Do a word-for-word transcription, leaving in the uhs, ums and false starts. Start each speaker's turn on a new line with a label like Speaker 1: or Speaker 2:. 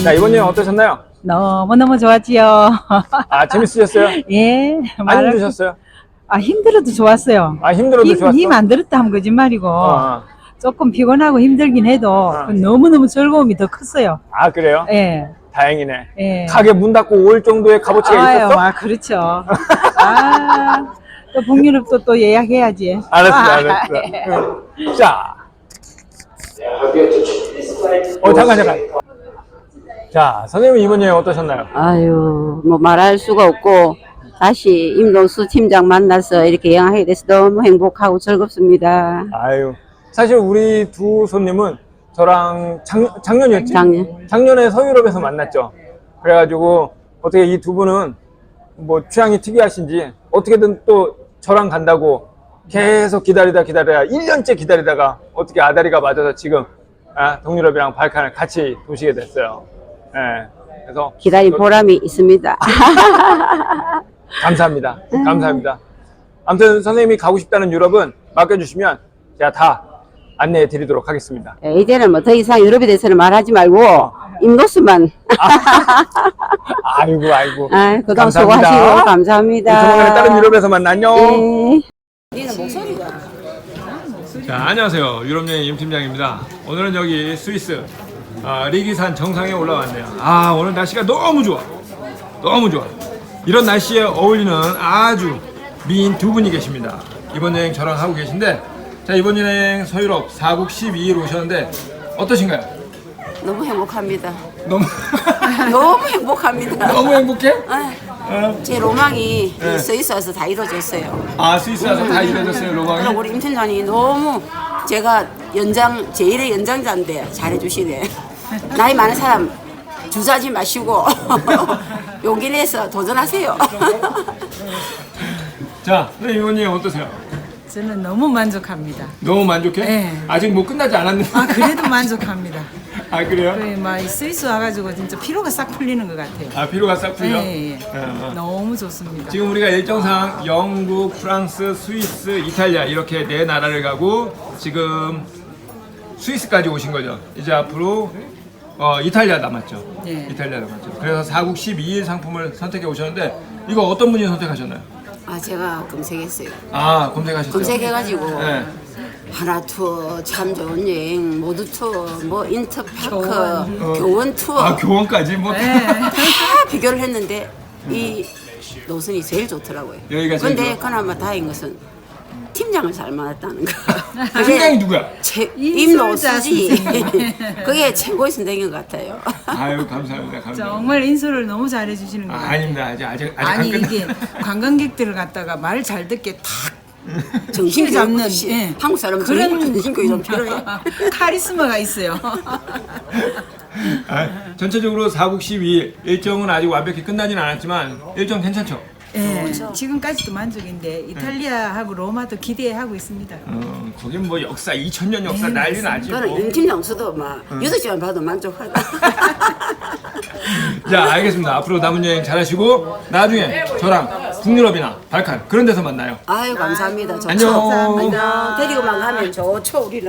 Speaker 1: 자, 이번 여행 어떠셨나요?
Speaker 2: 너무너무 좋았지요.
Speaker 1: 아, 재밌으셨어요?
Speaker 2: 예.
Speaker 1: 안
Speaker 2: 말할-
Speaker 1: 힘드셨어요?
Speaker 2: 아, 힘들어도 좋았어요.
Speaker 1: 아, 힘들어도
Speaker 2: 힘,
Speaker 1: 좋았어?
Speaker 2: 힘 안 들었다 하면 거짓말이고,
Speaker 1: 어, 어.
Speaker 2: 조금 피곤하고 힘들긴 해도,
Speaker 1: 어.
Speaker 2: 너무너무 즐거움이 더 컸어요.
Speaker 1: 아, 그래요?
Speaker 2: 예.
Speaker 1: 다행이네.
Speaker 2: 예.
Speaker 1: 가게 문 닫고 올 정도의 값어치가
Speaker 2: 아유,
Speaker 1: 있었어?
Speaker 2: 아, 그렇죠. 아, 또 북유럽도 또 예약해야지.
Speaker 1: 알았어,
Speaker 2: 아,
Speaker 1: 알았어.
Speaker 2: 예.
Speaker 1: 응. 자. 어, 잠깐, 잠깐. 자, 선생님 이번 여행 어떠셨나요?
Speaker 3: 아유, 뭐 말할 수가 없고 다시 임동수 팀장 만나서 이렇게 여행하게 돼서 너무 행복하고 즐겁습니다.
Speaker 1: 아유, 사실 우리 두 손님은 저랑 작, 작년이었지?
Speaker 3: 작년.
Speaker 1: 작년에 서유럽에서 만났죠. 그래가지고 어떻게 이 두 분은 뭐 취향이 특이하신지 어떻게든 또 저랑 간다고 계속 기다리다 기다리다 일 년째 기다리다가 어떻게 아다리가 맞아서 지금 아, 동유럽이랑 발칸을 같이 도시게 됐어요. 예. 그래서
Speaker 3: 기다린 보람이 있습니다.
Speaker 1: 감사합니다. 감사합니다. 아무튼 선생님이 가고 싶다는 유럽은 맡겨주시면 제가 다 안내해 드리도록 하겠습니다.
Speaker 3: 예, 이제는 뭐 더 이상 유럽에 대해서는 말하지 말고 임노수만.
Speaker 1: 아이고 아이고.
Speaker 3: 아, 그동안
Speaker 1: 감사합니다.
Speaker 3: 수고하시고 감사합니다.
Speaker 1: 조만간에 다른 유럽에서 만나. 안녕.
Speaker 3: 예.
Speaker 1: 자, 안녕하세요. 유럽여행 임팀장입니다. 오늘은 여기 스위스 아, 리기산 정상에 올라왔네요. 아, 오늘 날씨가 너무 좋아. 너무 좋아. 이런 날씨에 어울리는 아주 미인 두 분이 계십니다. 이번 여행 저랑 하고 계신데, 자, 이번 여행 서유럽 사 국 십이 일 오셨는데 어떠신가요?
Speaker 3: 너무 행복합니다.
Speaker 1: 너무
Speaker 3: 너무 행복합니다.
Speaker 1: 너무 행복해?
Speaker 3: 아,
Speaker 1: 어.
Speaker 3: 제 로망이
Speaker 1: 네.
Speaker 3: 스위스 와서 다 이루어졌어요.
Speaker 1: 아, 스위스 와서 다 이루어졌어요, 로망이?
Speaker 3: 그리고 우리 임 팀장이 너무 제가 연장 제일의 연장자인데 잘해주시네. 나이 많은 사람 주저하지 마시고 용기 내서 도전하세요.
Speaker 1: 자, 네, 이번 여행 어떠세요?
Speaker 2: 저는 너무 만족합니다.
Speaker 1: 너무 만족해?
Speaker 2: 네.
Speaker 1: 아직 뭐 끝나지 않았는데.
Speaker 2: 아, 그래도 만족합니다.
Speaker 1: 아, 그래요?
Speaker 2: 그, 막, 이 스위스 와가지고 진짜 피로가 싹 풀리는 것 같아요.
Speaker 1: 아, 피로가 싹 풀려?
Speaker 2: 예, 예.
Speaker 1: 어, 어.
Speaker 2: 너무 좋습니다.
Speaker 1: 지금 우리가 일정상 영국, 프랑스, 스위스, 이탈리아 이렇게 네 나라를 가고 지금 스위스까지 오신 거죠. 이제 앞으로 어, 이탈리아 남았죠.
Speaker 2: 예.
Speaker 1: 이탈리아 남았죠. 그래서 사 국 십이 일 상품을 선택해 오셨는데 이거 어떤 분이 선택하셨나요?
Speaker 3: 아 제가 검색했어요.
Speaker 1: 아, 검색하셨어요?
Speaker 3: 검색해가지고
Speaker 1: 네.
Speaker 3: 하나 투어, 참 좋은 여행, 모두 투어, 뭐 인터파크,
Speaker 2: 교원.
Speaker 3: 교원 투어
Speaker 1: 아, 교원까지 뭐.
Speaker 2: 네.
Speaker 3: 다 비교를 했는데 이 노선이 제일 좋더라고요.
Speaker 1: 여기가 제일
Speaker 3: 근데
Speaker 1: 좋아?
Speaker 3: 그나마 다행인 것은 팀장을 잘 만났다는 거.
Speaker 1: 팀장이 누구야?
Speaker 3: 제,
Speaker 2: 인솔자
Speaker 3: 임노수지.
Speaker 2: 선생님.
Speaker 3: 그게 최고의 선생님 같아요.
Speaker 1: 아유, 감사합니다. 감사합니다.
Speaker 2: 정말 인솔을 너무 잘해주시는 것
Speaker 1: 아,
Speaker 2: 같아요.
Speaker 1: 아닙니다. 아직 아직 아직
Speaker 2: 아니
Speaker 1: 안 끝나.
Speaker 2: 이게 관광객들을 갖다가 말 잘 듣게 탁
Speaker 3: 정신
Speaker 2: 잡는,
Speaker 3: 잡는
Speaker 2: 예.
Speaker 3: 한국 사람은
Speaker 2: 그런
Speaker 3: 정신교육 좀 필요해.
Speaker 2: 카리스마가 있어요.
Speaker 1: 아, 전체적으로 사 국 십이 일 일정은 아직 완벽히 끝나진 않았지만 일정 괜찮죠?
Speaker 2: 예, 지금까지도 만족인데 이탈리아하고 로마도 기대하고 있습니다.
Speaker 1: 어, 거긴 뭐 역사 이천 년 역사
Speaker 2: 네,
Speaker 1: 난리 나지
Speaker 3: 저는
Speaker 1: 뭐.
Speaker 3: 임 팀장수도 막 여섯 시간 봐도 만족하다.
Speaker 1: 자, 알겠습니다. 앞으로 남은 여행 잘하시고 나중에 저랑 북유럽이나 발칸 그런 데서 만나요.
Speaker 3: 아유 감사합니다. 좋죠.
Speaker 1: 안녕.
Speaker 3: 안녕. 데리고만 가면 좋죠 우리는.